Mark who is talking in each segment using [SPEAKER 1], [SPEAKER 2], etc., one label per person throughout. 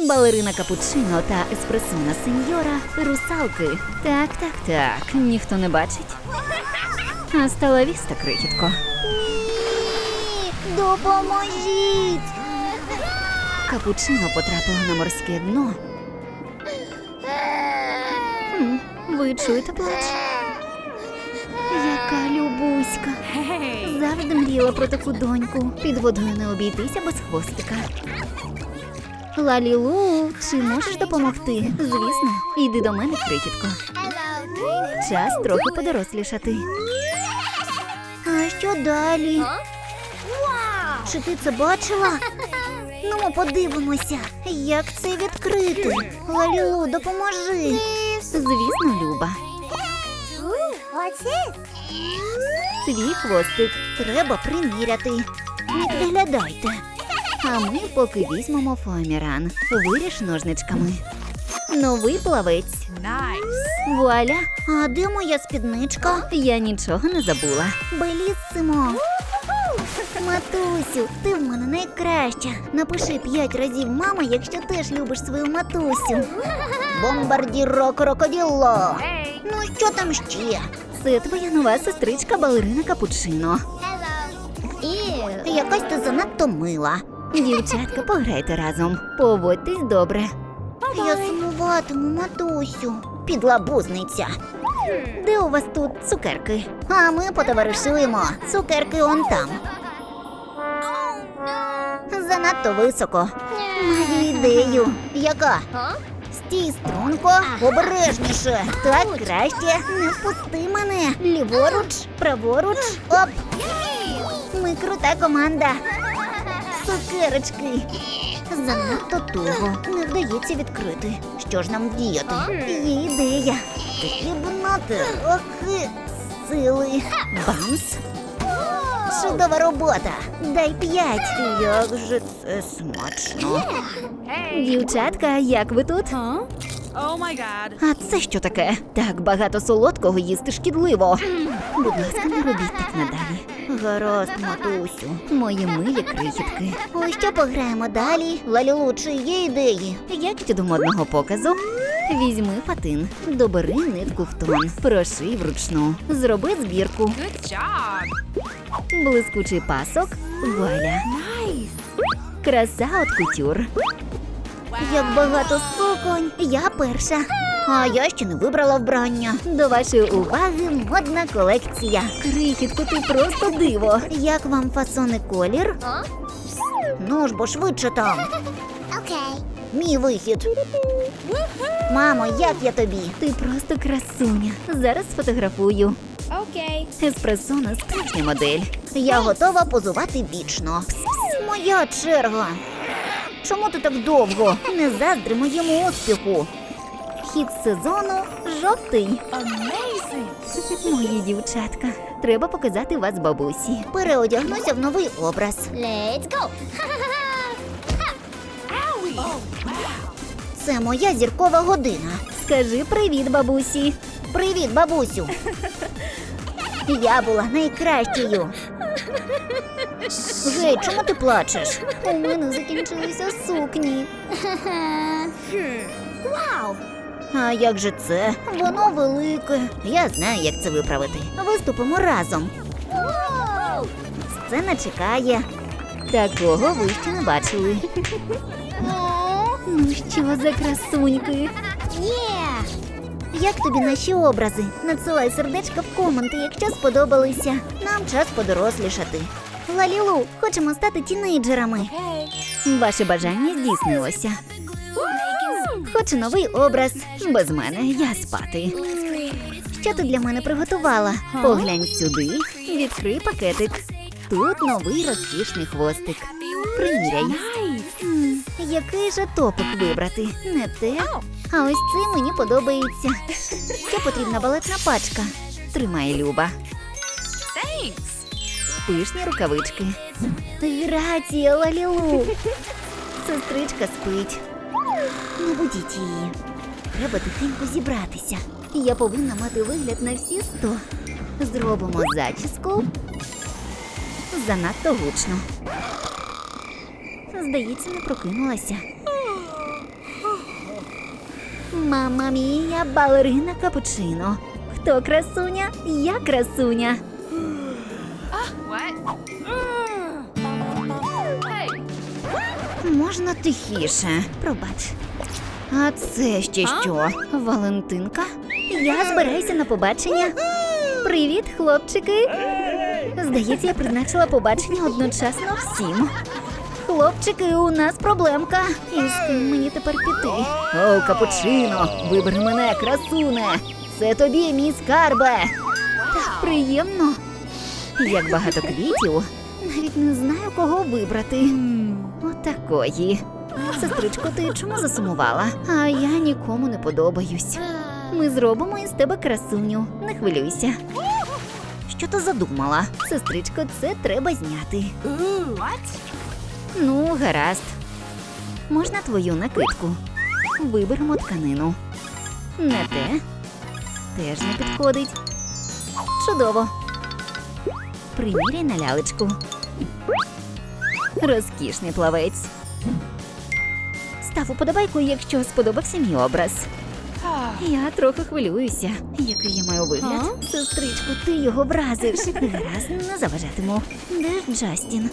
[SPEAKER 1] Балерина Капучино та еспресона сеньора – русалки. Так, ніхто не бачить. Астала віста, крихітко.
[SPEAKER 2] Ні, допоможіть!
[SPEAKER 1] Капучино потрапила на морське дно. Ви чуєте плач? Яка любуська. Завжди мріяла про таку доньку. Під водою не обійтися без хвостика. Лалілу, чи можеш допомогти? Звісно, йди до мене, крихітко. Час трохи подорослішати.
[SPEAKER 2] А що далі? Чи ти це бачила? Ну, ми подивимося, як це відкрити. Лалілу, допоможи.
[SPEAKER 1] Звісно, Люба. Твій хвостик.
[SPEAKER 2] Треба приміряти. Не підглядайте.
[SPEAKER 1] А ми поки візьмемо фоаміран. Виріж ножничками. Новий плавець. Вуаля!
[SPEAKER 2] А де моя спідничка?
[SPEAKER 1] Я нічого не забула.
[SPEAKER 2] Беліссимо. Матусю, ти в мене найкраща. Напиши 5 разів мама, якщо теж любиш свою матусю. Бомбардіро крокоділо. Ну, що там ще?
[SPEAKER 1] Це твоя нова сестричка Балерина Капучино.
[SPEAKER 2] Якась ти занадто мила.
[SPEAKER 1] Дівчатка, пограйте разом. Поводьтесь добре.
[SPEAKER 2] Я сумуватиму, матусю. Підлабузниця.
[SPEAKER 1] Де у вас тут цукерки?
[SPEAKER 2] А ми потоваришуємо. Цукерки он там. Занадто високо. Маю ідею. Яка? Стій струнко, обережніше. Так краще. Не впусти мене. Ліворуч, праворуч. Оп. Ми крута команда. Цукерочки. Занадто туго. Не вдається відкрити. Що ж нам діяти? Є ідея. Потрібно трохи сили.
[SPEAKER 1] Бамс.
[SPEAKER 2] Чудова робота. Дай 5. Як же це смачно.
[SPEAKER 1] Дівчатка, як ви тут? А це що таке? Так багато солодкого їсти шкідливо. Будь ласка, не робіть так надалі.
[SPEAKER 2] Гаразд, матусю.
[SPEAKER 1] Мої милі крихітки.
[SPEAKER 2] Ось що пограємо далі? Лалілу, чи є ідеї?
[SPEAKER 1] Як щодо модного показу? Візьми фатин, добери нитку в тон, проший вручну, зроби збірку. Блискучий пасок, вуаля. Краса от кутюр.
[SPEAKER 2] Як багато суконь. Я перша. А я ще не вибрала вбрання.
[SPEAKER 1] До вашої уваги модна колекція. Крихітко, ти просто диво.
[SPEAKER 2] Як вам фасон і колір? Ну ж бо швидше там. Мій вихід. Мамо, як я тобі?
[SPEAKER 1] Ти просто красуня. Зараз сфотографую. Еспресона справжня модель.
[SPEAKER 2] Я готова позувати вічно. Моя черга. Чому ти так довго? Не заздри моєму успіху.
[SPEAKER 1] Хід сезону жовтий. Мої дівчатка, треба показати вас бабусі.
[SPEAKER 2] Переодягнуся в новий образ. Це моя зіркова година.
[SPEAKER 1] Скажи привіт, бабусі.
[SPEAKER 2] Привіт, бабусю. Я була найкращою. Гей, чому ти плачеш?
[SPEAKER 1] У мене закінчилися сукні.
[SPEAKER 2] А як же це? Воно велике. Я знаю, як це виправити. Виступимо разом. Сцена чекає.
[SPEAKER 1] Такого ви ще не бачили. Ну що за красуньки?
[SPEAKER 2] Як тобі наші образи? Надсилай сердечка в коменти, якщо сподобалися. Нам час подорослішати. Лалілу, хочемо стати тінейджерами.
[SPEAKER 1] Ваше бажання здійснилося.
[SPEAKER 2] Хочу новий образ.
[SPEAKER 1] Без мене я спати.
[SPEAKER 2] Що ти для мене приготувала?
[SPEAKER 1] Поглянь сюди, відкрий пакетик. Тут новий розкішний хвостик. Приміряй.
[SPEAKER 2] Який же топик вибрати? Не те. А ось це мені подобається. Що потрібна балетна пачка?
[SPEAKER 1] Тримай, Люба. Пишні рукавички.
[SPEAKER 2] Грація, Лалілу. Сестричка спить. Не будіть її. Треба тихенько зібратися.
[SPEAKER 1] Я повинна мати вигляд на всі 100. Зробимо зачіску. Занадто гучно.
[SPEAKER 2] Здається, не прокинулася.
[SPEAKER 1] Мамма мія, балерина капучино. Хто красуня? Я красуня. Можна тихіше? Пробач. А це ще що? Валентинка? Я збираюся на побачення. Привіт, хлопчики. Здається, я призначила побачення одночасно всім. Хлопчики, у нас проблемка. І з ким мені тепер піти? О, капучино, вибери мене, красуне. Це тобі, мій скарбе. Так приємно. Як багато квітів. Навіть не знаю, кого вибрати. Отакої. Сестричко, ти чому засумувала? А я нікому не подобаюсь. Ми зробимо із тебе красуню. Не хвилюйся. Що ти задумала? Сестричко, це треба зняти. Ну, гаразд. Можна твою накидку? Виберемо тканину. Не те. Теж не підходить. Чудово. Приміряй на лялечку. Розкішний плавець. Став уподобайку, якщо сподобався мій образ. Я трохи хвилююся. Який я маю вигляд? Сестричко, ти його вразиш. Гаразд, не заважатиму. Де ж Джастін?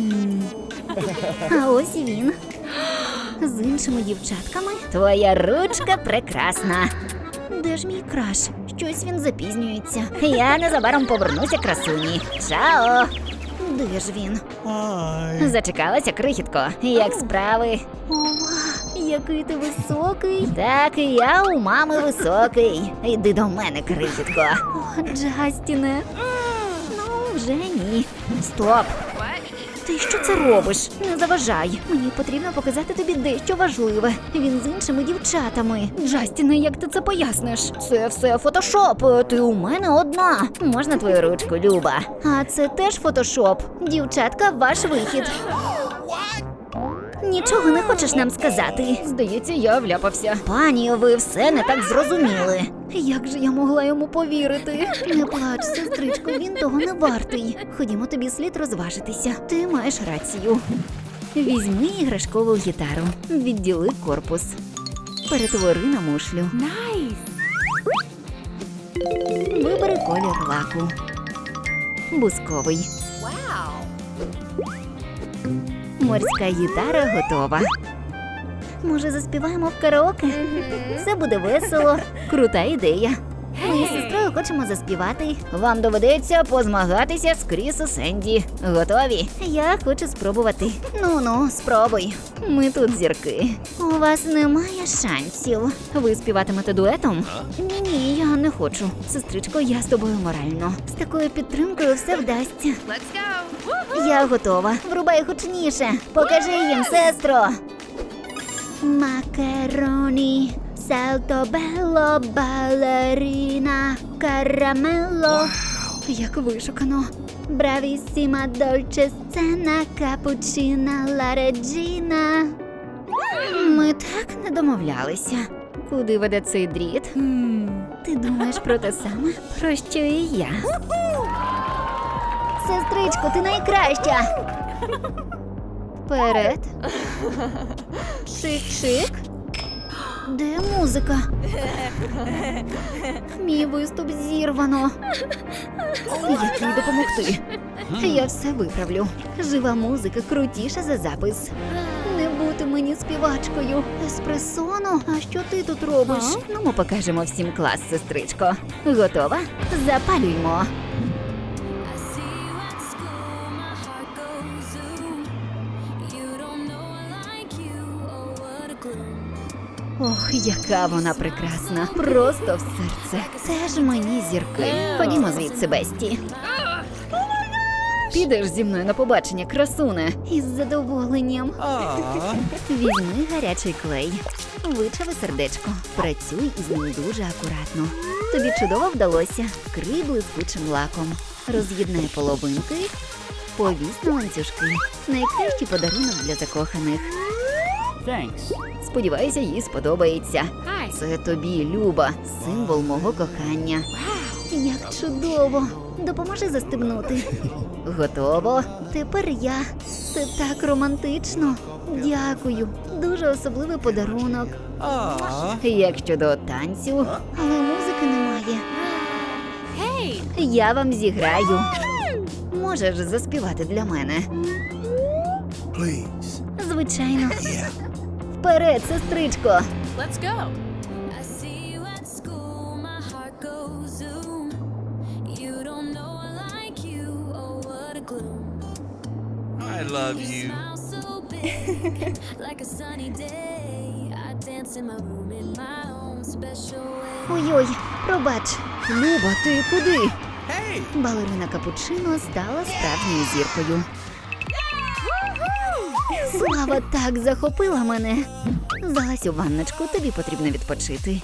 [SPEAKER 1] А ось і він. З іншими дівчатками. Твоя ручка прекрасна. Де ж мій краш? Щось він запізнюється. Я незабаром повернуся, красуні. Чао! Де ж він? Зачекалася, крихітко. Як справи? Ова, який ти високий. Так, і я у мами високий. Йди до мене, крихітко. О, Джастіне. Ну, вже ні. Стоп. Ти що це робиш? Не заважай. Мені потрібно показати тобі дещо важливе. Він з іншими дівчатами. Джастіне, як ти це поясниш? Це все фотошоп. Ти у мене одна. Можна твою ручку, Люба? А це теж фотошоп. Дівчатка, ваш вихід. Нічого не хочеш нам сказати? Здається, я вляпався. Пані, ви все не так зрозуміли. Як же я могла йому повірити? Не плач, сестричко, він того не вартий. Ходімо, тобі слід розважитися. Ти маєш рацію. Візьми іграшкову гітару. Відділи корпус. Перетвори на мушлю. Найс! Вибери колір лаку. Бусковий. Морська гітара готова. Може, заспіваємо в караоке? Це буде весело. Крута ідея. Ми з сестрою хочемо заспівати. Вам доведеться позмагатися з Кріс і Сенді. Готові? Я хочу спробувати. Ну-ну, спробуй. Ми тут зірки. У вас немає шансів. Ви співатимете дуетом? Ні, я не хочу. Сестричко, я з тобою морально. З такою підтримкою все вдасться.
[SPEAKER 3] Let's go!
[SPEAKER 1] Я готова. Врубай гучніше. Покажи їм, сестро. Макароні, салто белло, балеріна, карамелло. Як вишукано. Бравісіма, дольче сцена, капучина, ла реджіна. Ми так не домовлялися. Куди веде цей дріт? Ти думаєш про те саме, про що і я? Сестричко, ти найкраща! Вперед. Чик-чик. Де музика? Мій виступ зірвано. Як їй допомогти? Я все виправлю. Жива музика крутіша за запис. Не бути мені співачкою. Еспресоно? А що ти тут робиш? Ну, ми покажемо всім клас, сестричко. Готова? Запалюймо.
[SPEAKER 4] I see you at school, my heart goes zoom. You don't know I like you, oh what a clue.
[SPEAKER 1] Ох, яка вона прекрасна. Просто в серце. Теж мені зірки. Ходімо звідси, Бесті. Підеш зі мною на побачення, красуне. Із задоволенням. Візьми гарячий клей. Вичави сердечко. Працюй із ним дуже акуратно. Тобі чудово вдалося. Вкрий блискучим лаком. Роз'єднай половинки. Повісь на ланцюжки. Найкращий подарунок для закоханих.
[SPEAKER 5] Thanks.
[SPEAKER 1] Сподіваюся, їй сподобається. Це тобі, Люба, символ мого кохання.
[SPEAKER 2] Як чудово! Допоможи застебнути.
[SPEAKER 1] Готово.
[SPEAKER 2] Тепер я. Це так романтично. Дякую. Дуже особливий подарунок.
[SPEAKER 1] Як щодо танцю,
[SPEAKER 2] Але музики немає.
[SPEAKER 1] я вам зіграю. Можеш заспівати для мене?
[SPEAKER 3] Please.
[SPEAKER 2] Звичайно.
[SPEAKER 1] Вперед, сестричко!
[SPEAKER 4] I see you at school, my heart goes zoom. You don't know I like you, oh what a gloom.
[SPEAKER 3] I love you.
[SPEAKER 4] Smile so big, like a sunny day. I dance in my room in my own special way.
[SPEAKER 2] Ой-ой, пробач.
[SPEAKER 1] Люба, ти куди?
[SPEAKER 3] Hey!
[SPEAKER 1] Балерина Капучино стала справжньою зіркою.
[SPEAKER 2] Слава так захопила мене.
[SPEAKER 1] Залазь у ванночку, тобі потрібно відпочити.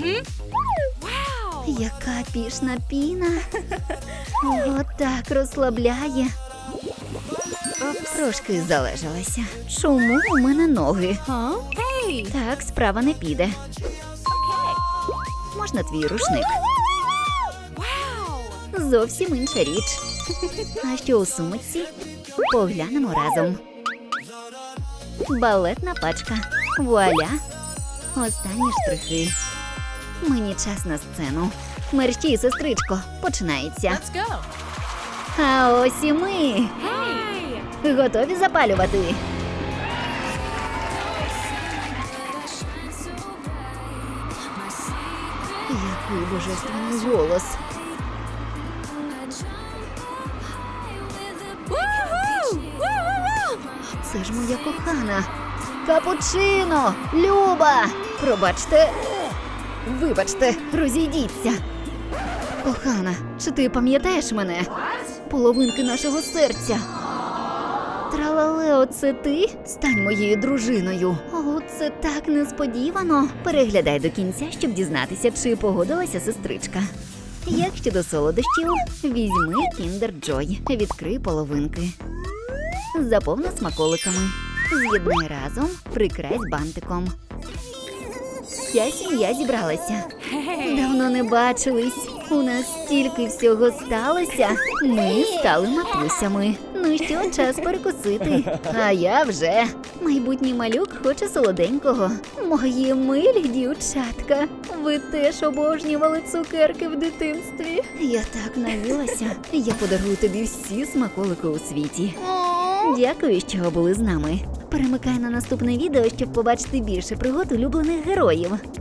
[SPEAKER 2] Яка пішна піна. Ого, так розслабляє.
[SPEAKER 1] Трошки залежалася. Чому у мене ноги? Так, справа не піде. Можна твій рушник? Зовсім інша річ. А що у сумочці? Поглянемо разом. Балетна пачка. Вуаля. Останні штрихи. Мені час на сцену. Мерщій, сестричко, починається. А ось і ми. Готові запалювати? Який божественний голос. Це ж моя кохана. Капучино! Люба! Пробачте. Вибачте, розійдіться. Кохана, чи ти пам'ятаєш мене? Половинки нашого серця. Тралалео, це ти? Стань моєю дружиною.
[SPEAKER 2] О, це так несподівано.
[SPEAKER 1] Переглядай до кінця, щоб дізнатися, чи погодилася сестричка. Як щодо солодощів, візьми Kinder Joy, відкрий половинки. Заповни смаколиками. З'єднай разом, прикрась бантиком. Вся сім'я зібралася. Давно не бачились. У нас стільки всього сталося. Ми стали матусями. Ну що, час перекусити. А я вже. Майбутній малюк хоче солоденького. Мої милі дівчатка. Ви теж обожнювали цукерки в дитинстві. Я так наїлася. Я подарую тобі всі смаколики у світі. Дякую, що були з нами. Перемикай на наступне відео, щоб побачити більше пригод улюблених героїв.